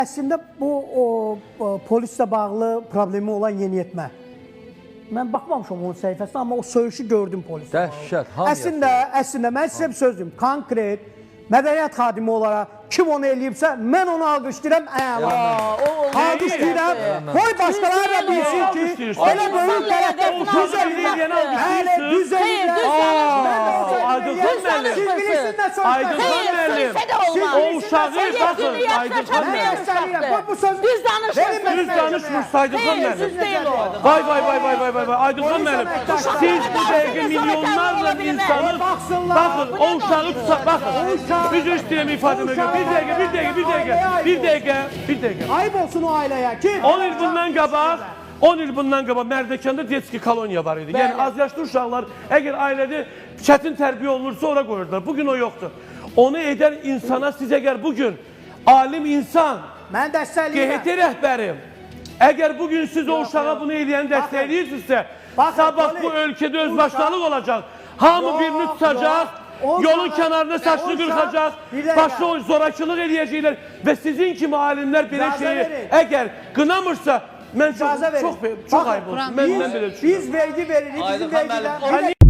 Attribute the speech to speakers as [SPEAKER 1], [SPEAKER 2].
[SPEAKER 1] Əslində bu polislə bağlı problemi olan yeniyetmə. Mən baxmamışam onun səhifəsinə, amma o söyüşü gördüm polislə.
[SPEAKER 2] Dəhşət,
[SPEAKER 1] Əslində mən sizə bir söz deyim. Konkret mədəniyyət xadimi olaraq kim onu eləyibsə, mən onu alqışlayıram, alqışlayıram. Qoy başqaları da bilsin ki, elə böyük tərəfdə düz eləyən, düz eləyən.
[SPEAKER 2] Aydınxan müəllim.
[SPEAKER 1] Siz bilirsiniz nə söz?
[SPEAKER 2] Aydınxan müəllim. O uşağı, baxın, Aydınxan müəllim.
[SPEAKER 3] Düz danışmırsınız.
[SPEAKER 2] Düz danışmırsınız, Aydınxan müəllim. Vay, Aydınxan müəllim. Siz bu dəqiqə milyonlarla insanı, baxın, o uşağı tutsak, baxın. Üzr istəyirəm ifadəmə görə. Bir dəqiqə.
[SPEAKER 1] Ayıb olsun o ailəyə ki.
[SPEAKER 2] 10 il bundan qabaq Mərdəkanda detski koloniya var idi. Yəni az yaşlı uşaqlar əgər ailədə çətin tərbiyə olunursa ora qoyurdular. Bugün o yoxdur. Onu edən insana siz əgər bugün alim insan,
[SPEAKER 1] Mən dəstəkləyirəm.
[SPEAKER 2] QHT rəhbərim, əgər bugün siz o uşağa bunu eləyəni dəstəkləyirsinizsə, sabah bu ölkədə özbaşınalıq olacaq. Hamı birini tutacaq, yolun kənarına saçını qırxacaq, başına zorakılıq eləyəcəklər və sizin kimi alimlər belə şeyi əgər qınamırsa, mən çox ayıb olsun.
[SPEAKER 1] Biz vergi veririk, bizim vergidən.